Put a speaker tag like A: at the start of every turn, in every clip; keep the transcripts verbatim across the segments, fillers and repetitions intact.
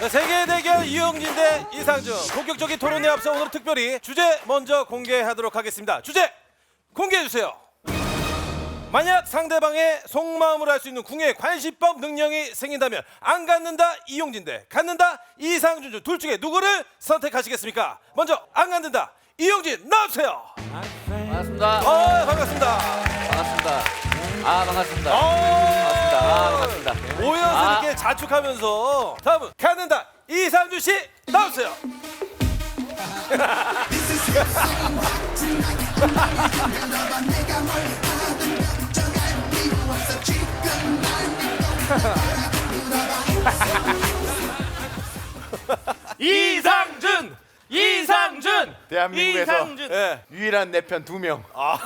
A: 자, 세계 대결 이용진 대 이상준 본격적인 토론에 앞서 오늘 특별히 주제 먼저 공개하도록 하겠습니다. 주제 공개해 주세요. 만약 상대방의 속마음을 알 수 있는 궁예 관시법 능력이 생긴다면 안 갖는다 이용진 대 갖는다 이상준 중 둘 중에 누구를 선택하시겠습니까? 먼저 안 갖는다 이용진 나와주세요.
B: 반갑습니다.
A: 어, 반갑습니다.
B: 반갑습니다. 아 반갑습니다.
A: 어,
B: 반갑습니다. 아 반갑습니다.
A: 오연스
B: 아.
A: 이렇게 자축하면서 다음은 갖는다 이상준 씨 나와주세요.
C: 이상준! 이상준!
D: 대한민국에서
C: 이상준!
A: 예.
D: 유일한 내 편 두 명.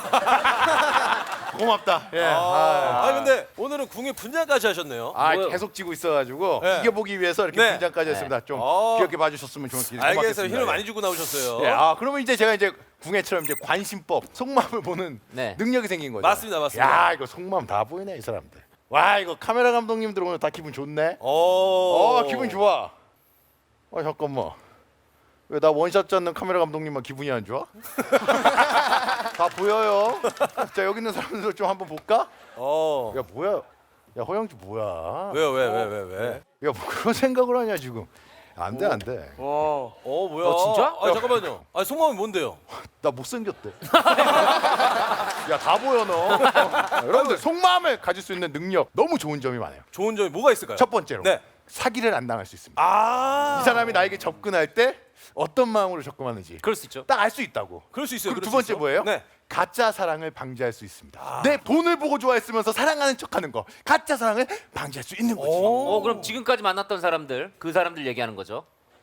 D: 고맙다. 예. 아,
A: 아 근데 오늘은 궁예 분장까지 하셨네요.
D: 아,
B: 뭐요?
D: 계속 지고 있어가지고
A: 네.
D: 이겨보기 위해서 이렇게
A: 네.
D: 분장까지 했습니다. 좀
A: 어.
D: 귀엽게 봐주셨으면 좋겠습니다.
A: 알겠어요. 힘을
D: 예.
A: 많이 주고 나오셨어요.
D: 예. 아, 그러면 이제 제가 이제 궁예처럼 이제 관심법, 속마음을 보는
B: 네.
D: 능력이 생긴 거죠.
A: 맞습니다, 맞습니다.
D: 야, 이거 속마음 다 보이네 이 사람들. 와, 이거 카메라 감독님들 오늘 다 기분 좋네.
A: 오.
D: 어, 기분 좋아. 어, 잠깐만. 왜 나 원샷 잡는 카메라 감독님만 기분이 안 좋아? 다 보여요. 자, 여기 있는 사람들 좀 한번 볼까?
A: 어.
D: 야, 뭐야? 야, 허영주 뭐야?
A: 왜요, 왜, 왜, 왜, 왜?
D: 야, 뭐 그런 생각을 하냐 지금? 안 돼, 안 돼.
A: 어, 어 뭐야?
B: 어, 진짜?
A: 아 잠깐만요. 아 속마음이 뭔데요?
D: 나 못생겼대. 야, 다 보여 너. 어, 여러분들 속마음을 가질 수 있는 능력 너무 좋은 점이 많아요.
A: 좋은 점이 뭐가 있을까요?
D: 첫 번째로
A: 네.
D: 사기를 안 당할 수 있습니다.
A: 아.
D: 이 사람이 나에게 접근할 때 어떤 마음으로 접근하는지
B: 그럴 수 있죠.
D: 딱 알 수 있다고.
A: 그럴 수 있어요.
D: 그리고
A: 그럴
D: 두
A: 수
D: 번째
A: 있어.
D: 뭐예요?
A: 네.
D: 가짜 사랑을 방지할 수 있습니다. 내 돈을 보고 좋아했으면서 사랑하는 척하는 거, 가짜 사랑을 방지할 수 있는 거지.
B: 어 그럼 지금까지 만났던 사람들 그 사람들 얘기하는 거죠.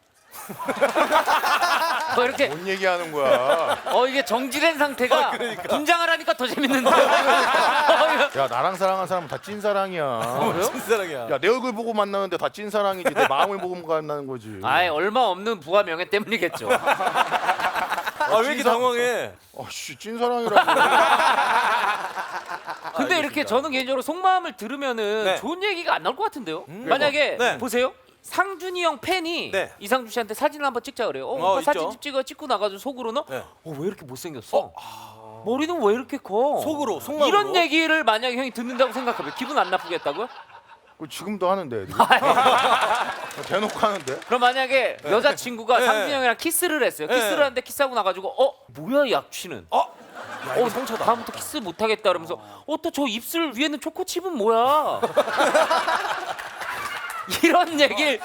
B: 뭐 이렇게
D: 뭔 얘기하는 거야?
B: 어 이게 정지된 상태가
A: 그러니까.
B: 분장을 하니까 더 재밌는데. 어, 이거-
D: 야, 나랑 사랑한 사람은 다 찐사랑이야.
B: 그래요?
A: 진사랑이야.
D: 야, 내 얼굴 보고 만나는데 다 찐사랑이지. 내 마음을 보고 만나는 거지.
B: 아이 얼마 없는 부와 명예 때문이겠죠.
A: 아 왜 이렇게 당황해?
D: 아씨, 찐사랑이라고.
B: 근데 이렇게 저는 개인적으로 속마음을 들으면은
A: 네.
B: 좋은 얘기가 안 나올 것 같은데요. 만약에
A: 네.
B: 보세요. 상준이 형 팬이
A: 네.
B: 이상준 씨한테 사진을 한번 찍자 그래요. 어,
A: 어,
B: 오빠
A: 있죠.
B: 사진 좀 찍어 찍고 나가지고 속으로는
A: 네.
B: 어, 왜 이렇게 못생겼어? 머리는 왜 이렇게 커?
A: 속으로, 속마음으로?
B: 이런 얘기를 만약에 형이 듣는다고 생각하면 기분 안 나쁘겠다고요?
D: 그거 지금도 하는데. 애들이. 대놓고 하는데.
B: 그럼 만약에 여자친구가
A: 네.
B: 상준이 형이랑 키스를 했어요.
A: 네.
B: 키스를 하는데 키스하고 나가지고 어? 뭐야 이 악취는?
A: 어? 야 이거
B: 어,
A: 상처다.
B: 다음부터 키스 못하겠다 그러면서 어 또 저 입술 위에는 초코칩은 뭐야? 이런 얘기를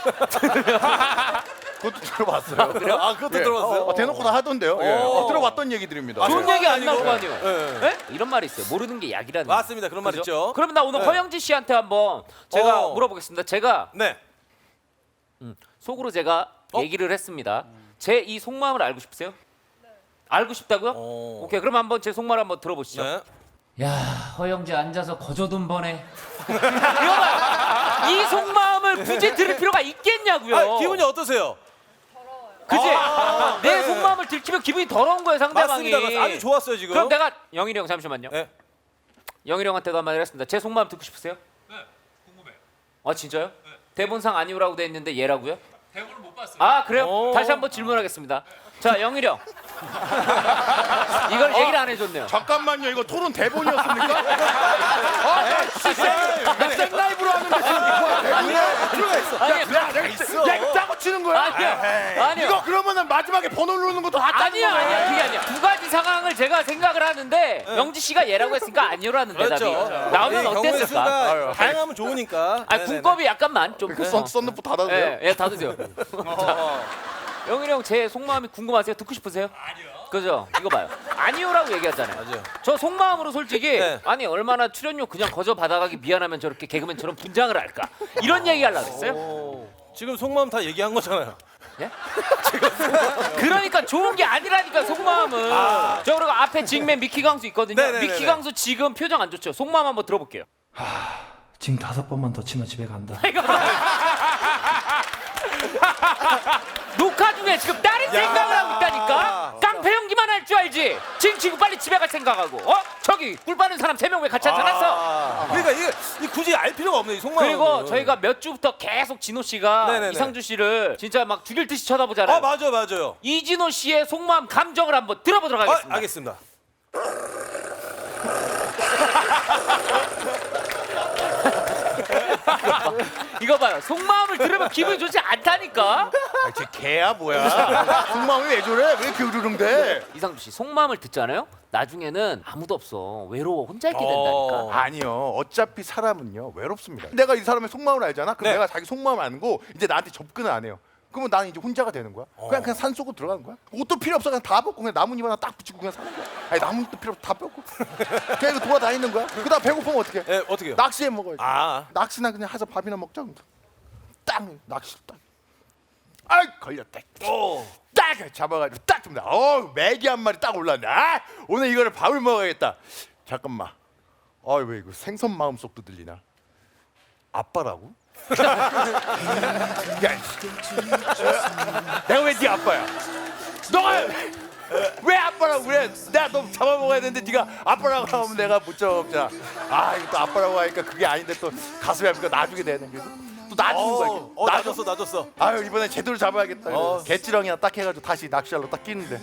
D: 그것도 들어봤어요.
A: 그래요? 아 그것도
D: 예.
A: 들어봤어요?
D: 어, 대놓고 다 하던데요. 예.
A: 어.
D: 어, 들어봤던 얘기들입니다.
A: 아,
B: 좋은
A: 그래요?
B: 얘기 안 나올 거
A: 아니고.
B: 아니에요?
A: 예.
B: 예? 이런 말이 있어요. 모르는 게 약이라는.
A: 맞습니다. 그런 말
B: 그죠?
A: 있죠.
B: 그러면 나 오늘
A: 네.
B: 허영지 씨한테 한번 제가
A: 어.
B: 물어보겠습니다. 제가
A: 네.
B: 속으로 제가
A: 어?
B: 얘기를 했습니다. 제 이 속마음을 알고 싶으세요? 알고 싶다고요?
A: 어.
B: 오케이. 그럼 한번 제 속마음 한번 들어보시죠.
A: 네.
B: 야, 허영지 앉아서 거저돈 버네. 이거 이 속마음을 굳이 들을 필요가 있겠냐고요.
A: 아 기분이 어떠세요?
B: 그지?
A: 아,
B: 내
A: 네.
B: 속마음을 들키면 기분이 더러운 거예요, 상대방이.
A: 맞습니다. 맞습니다. 아주 좋았어요 지금.
B: 그럼 내가 영일이 형 잠시만요.
A: 네.
B: 영일이 형한테도 한마디 했습니다. 제 속마음 듣고 싶으세요?
C: 네, 궁금해.
B: 아 진짜요? 대본상 아니오라고 돼 있는데 얘라고요?
C: 대본을 못 봤어요.
B: 아 그래요?
A: 오.
B: 다시 한번 질문하겠습니다. 자 영일이 형. 이걸 얘기를 안 해줬네요.
D: 잠깐만요. 이거 토론 대본이었습니까? 아, 씨, 생 라이브로 하는데 지금 이거 대본이야.
A: 필요가 있어.
B: 아니,
D: 야, 내가
A: 있어.
D: 야, 이거 짜고 치는 거야?
B: 아니요. 아니요.
D: 이거 그러면은 마지막에 번호 누르는 것도 다 짜는
B: 아니야,
D: 거야.
B: 아니야, 그게 아니야. 두 가지 상황을 제가 생각을 하는데 영지 씨가 얘라고 했으니까 아니오라는
A: 그렇죠.
B: 대답이 나오면
A: 이 경우의
B: 어땠을까?
A: 수가
D: 아유.
A: 다양하면 좋으니까.
B: 아,
A: 네네네.
B: 군법이 약간만 좀.
D: 그 썬, 썬루프 닫아도 돼요?
B: 예, 예, 다 드세요. 영일이 형 제 속마음이 궁금하세요? 듣고 싶으세요?
C: 아니요.
B: 그죠? 이거 봐요. 아니오라고 얘기하잖아요.
A: 맞아요.
B: 저 속마음으로 솔직히
A: 네.
B: 아니 얼마나 출연료 그냥 거저 받아가기 미안하면 저렇게 개그맨처럼 분장을 할까 이런 얘기 하려고 했어요.
A: 오, 지금 속마음 다 얘기한 거잖아요.
B: 예? 그러니까 좋은 게 아니라니까 속마음은. 저 그리고 앞에 직맨 미키 강수 있거든요.
A: 네네네네.
B: 미키 강수 지금 표정 안 좋죠. 속마음 한번 들어볼게요.
E: 지금 다섯 번만 더 치면 집에 간다.
B: 녹화 중에 지금 다른 생각을 하고 있다니까. 깡패 연기만 할 줄 알지. 지금 지금 빨리 빨리 집에 갈 생각하고 어? 저기 꿀 빠는 사람 세 명 왜 같이 앉아놨어?
A: 아, 그러니까 이게 이 굳이 알 필요가 없네 이 속마음은.
B: 그리고 저희가 몇 주부터 계속 진호 씨가
A: 네네네.
B: 이상준 씨를 진짜 막 죽일 듯이 쳐다보잖아요.
A: 아 맞아 맞아요.
B: 이진호 씨의 속마음 감정을 한번 들어보도록
A: 아,
B: 하겠습니다.
A: 알겠습니다.
B: 이거 봐요. 속마음을 들으면 기분이 좋지 않다니까.
D: 아, 쟤 개야 뭐야? 속마음이 왜 저래? 왜 이렇게 으르렁대?
B: 이상준 씨 속마음을 듣잖아요. 나중에는 아무도 없어. 외로워. 혼자 있게
A: 어.
B: 된다니까.
D: 아니요. 어차피 사람은요 외롭습니다. 내가 이 사람의 속마음을 알잖아. 그럼
A: 네.
D: 내가 자기 속마음을 아는고 이제 나한테 접근을 안 해요. 그러면 나는 이제 혼자가 되는 거야. 그냥 그냥 산 속으로 들어가는 거야. 옷도 필요 없어. 그냥 다 벗고 그냥 나뭇잎 하나 딱 붙이고 그냥 사는 거야. 아니 나뭇잎도 필요 없어. 다 벗고 그냥 이거 돌아다니는 거야. 그다음 배고프면 어떻게?
A: 예 어떻게요?
D: 낚시해 먹어야지.
A: 아
D: 낚시나 그냥 해서 밥이나 먹자. 딱 낚시 딱. 아이 걸렸다.
A: 오.
D: 딱 잡아가지고 딱 줍니다. 어 메기 한 마리 딱 올랐네. 아 오늘 이거를 밥을 먹어야겠다. 잠깐만. 아왜 이거 생선 마음속도 들리나? 아빠라고? 야, 내가 왜 네 아빠야? 너가 왜 아빠라고 그래? 내가 너 잡아먹어야 되는데 네가 아빠라고 하면 내가 못 잡아먹잖아. 아 이거 또 아빠라고 하니까 그게 아닌데 또 가슴에 아프니까 놔주게 되네. 그래서 또 놔주는 거야. 이게.
A: 어,
D: 놔줘.
A: 놔줬어 놔줬어.
D: 아유 이번에 제대로 잡아야겠다.
A: 어.
D: 개찌렁이나 딱 해가지고 다시 낚시알로 딱 끼는데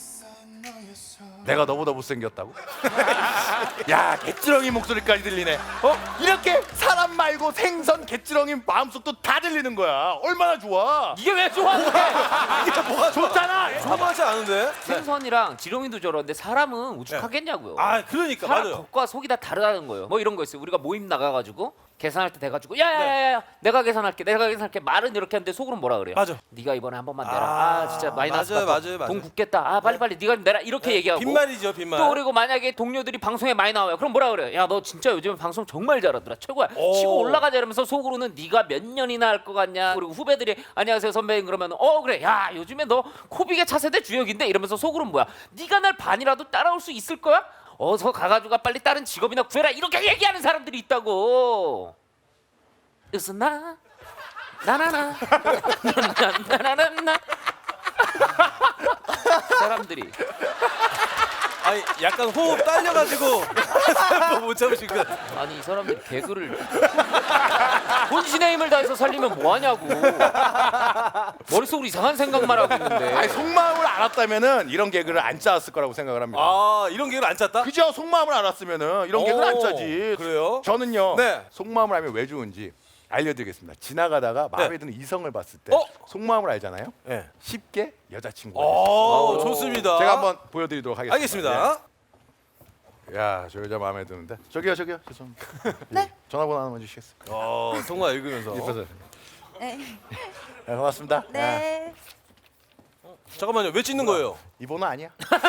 D: 내가 너보다 못생겼다고? 야 개찌렁이 목소리까지 들리네. 어? 이렇게 사람 말고 생선 개찌렁이 마음속도 다 들리는 거야. 얼마나 좋아?
B: 이게 왜 좋아하는 거야?
A: 이게 뭐가
D: 좋잖아.
A: 좋아하지 않은데?
B: 생선이랑 지렁이도 저런데 사람은 우죽하겠냐고요.
A: 아 그러니까
B: 사람
A: 맞아요.
B: 겉과 속이 다 다르다는 거예요. 뭐 이런 거 있어요. 우리가 모임 나가가지고 계산할 때 돼가지고 야야야야 내가 계산할게 내가 계산할게 말은 이렇게 하는데 속으로는 뭐라 그래요?
A: 맞아.
B: 네가 이번에 한 번만 내라.
A: 아,
B: 아, 진짜 많이
A: 맞아요,
B: 나왔다.
A: 맞아요, 맞아요.
B: 돈 굳겠다. 아 빨리 빨리 네가 내라 이렇게 얘기하고.
A: 빈말이죠 빈말.
B: 또 그리고 만약에 동료들이 방송에 많이 나와요. 그럼 뭐라 그래요? 야 너 진짜 요즘에 방송 정말 잘하더라. 최고야.
A: 오.
B: 치고 올라가자 이러면서 속으로는 네가 몇 년이나 할 것 같냐. 그리고 후배들이 안녕하세요 선배님 그러면 어 그래 야 요즘에 너 코빅의 차세대 주역인데 이러면서 속으로는 뭐야? 네가 날 반이라도 따라올 수 있을 거야? 어서 가가지고 빨리 다른 직업이나 구해라 이렇게 얘기하는 사람들이 있다고. 으스나 나나나 나나나나 사람들이
A: 아니 약간 호흡 딸려가지고 못 참으신 것 같아.
B: 아니 이 사람들이 개그를 혼신의 힘을 다해서 살리면 뭐하냐고. 머릿속으로 이상한 생각만 하고 있는데.
D: 아니 속마음을 알았다면은 이런 개그를 안 짜왔을 거라고 생각을 합니다.
A: 아 이런 개그를 안 짰다?
D: 그죠? 속마음을 알았으면은 이런 개그를 안
A: 오,
D: 짜지.
A: 그래요?
D: 저는요.
A: 네.
D: 속마음을 알면 왜 좋은지 알려드리겠습니다. 지나가다가 마음에
A: 네.
D: 드는 이성을 봤을 때
A: 어?
D: 속마음을 알잖아요.
A: 네.
D: 쉽게 여자친구가 됐어요.
A: 오 좋습니다.
D: 제가 한번 보여드리도록 하겠습니다.
A: 알겠습니다.
D: 예. 야, 저 여자 마음에 드는데. 저기요, 저기요. 죄송합니다. 네. 전화번호 하나만 주시겠어요?
A: 어 통화 읽으면서.
D: 이뻐서.
F: 네.
D: 네, 고맙습니다. 야,
F: 네.
A: 잠깐만요 왜 찍는 거예요?
D: 이 번호 아니야?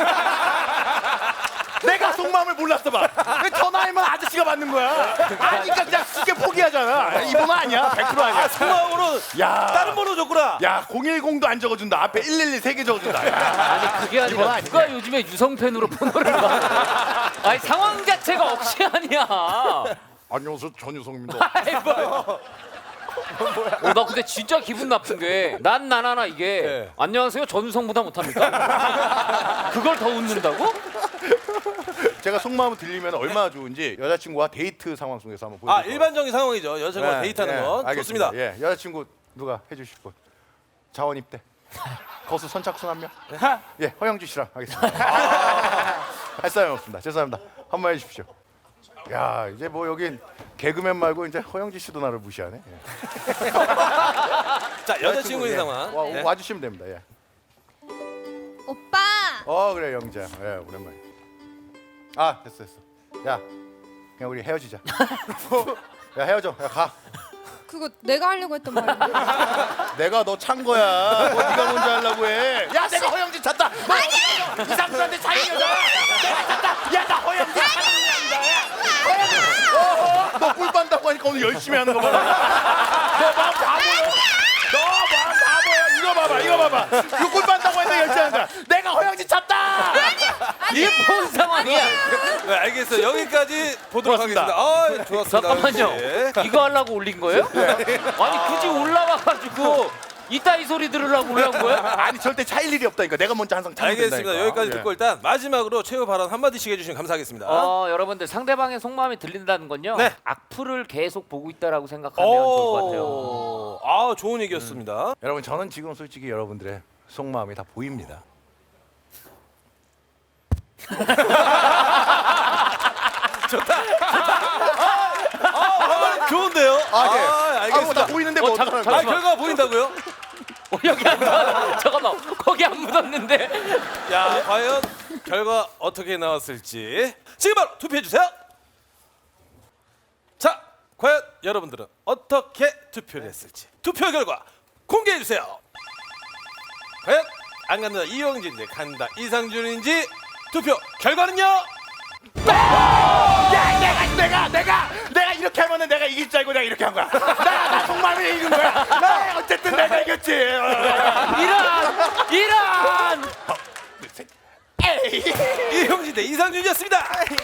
D: 내가 속마음을 몰랐어 봐. 왜 전화하면 아저씨가 받는 거야? 아니까 그냥 쉽게 포기하잖아. 이 번호 아니야. 백 퍼센트 아니야.
A: 통화번호
D: 야.
A: 다른 번호 줬구나.
D: 야, 공일공도 안 적어준다. 앞에 일일이 세 개 적어준다. 야.
B: 아니 그게
D: 이건
B: 아니라
D: 아니네.
B: 누가 요즘에 유성팬으로 번호를 받아. 아니 상황 자체가 억지 아니야.
D: 안녕하세요, 전유성입니다.
B: 아이고. 어, 나 근데 진짜 기분 나쁜 게 난 나나나 이게
A: 네.
B: 안녕하세요 전우성보다 못합니까? 그걸 더 웃는다고?
D: 제가 속마음을 들리면 얼마나 좋은지 여자친구와 데이트 상황 속에서 한번
A: 아
D: 보여드릴게요.
A: 일반적인 상황이죠. 여자친구와 데이트하는 건
D: 알겠습니다.
A: 좋습니다.
D: 예, 여자친구 누가 해주실 분? 자원 입대. 거수 선착순 한 명. 예, 허영주 씨랑 하겠습니다. 할 사람이 없습니다. 죄송합니다. 한번 해주십시오. 야, 이제 뭐 여긴 개그맨 말고 이제 허영지 씨도 나를 무시하네. 예.
A: 자 여자친구인
D: 예.
A: 상황.
D: 와,
A: 네.
D: 와주시면 됩니다. 예.
F: 오빠.
D: 어 그래 영자. 예, 오랜만에. 아 됐어 됐어. 야, 그냥 우리 헤어지자. 야 헤어져. 야 가.
F: 그거 내가 하려고 했던 말이야.
D: 내가 너 찬 거야. 뭐 네가 먼저 하려고 해. 야 내가 허영진 찾다. 아니야. 이상수한테 차인 여자. 내가 찾다. 야 나 허영진 찾는 여자야. 허영진. 어, 너꿀 빤다고 하니까 오늘 열심히 하는 거 봐. 너 마음 바보야. 너 마음 바보야. 이거 봐봐. 이거 봐봐. 이거 꿀 빤다고 했는데 열심히 하는 거야. 내가 허영진 찾다.
B: 이게 뭔 상황이야?
A: 네, 알겠어요. 여기까지 보도록
D: 고맙습니다.
A: 하겠습니다. 아, 좋았습니다.
B: 잠깐만요.
A: 역시.
B: 이거 하려고 올린 거예요? 아니 굳이 올라와가지고 이따위 소리 들으려고 그러는 거야?
D: 아니 절대 차일 일이 없다니까. 내가 먼저 항상 차면
A: 알겠습니다.
D: 된다니까.
A: 여기까지
D: 예.
A: 듣고 일단 마지막으로 최후 발언 한마디씩 해주시면 감사하겠습니다.
B: 어, 여러분들 상대방의 속마음이 들린다는 건요.
A: 네.
B: 악플을 계속 보고 있다라고 생각하면 좋을 것 같아요.
A: 오, 아 좋은 얘기였습니다.
D: 여러분 저는 지금 솔직히 여러분들의 속마음이 다 보입니다.
A: 아, 좋은데요?
D: 아, 네.
A: 아,
D: 아, 뭐 다
A: 알겠습니다.
D: 보이는데
B: 어,
D: 뭐
B: 잠깐,
D: 어떡하는
A: 아,
D: 거야?
A: 결과가 보인다고요?
B: 어, 여기 안 묻었. 잠깐만, 거기 안 묻었는데.
A: 야, 과연 결과 어떻게 나왔을지 지금 바로 투표해 주세요. 자, 과연 여러분들은 어떻게 투표를 했을지 투표 결과 공개해 주세요. 과연 안 간다 이용진인지 간다 이상준인지 투표 결과는요?
D: 야, 내가 내가 내가 내가 이렇게 하면은 내가 이길 줄 알고 내가 이렇게 한 거야. 나, 나 속마음이 이긴 거야. 나 어쨌든 내가 이겼지.
B: 이런, 이런.
D: 에이.
A: 이용진 대 이상준이었습니다.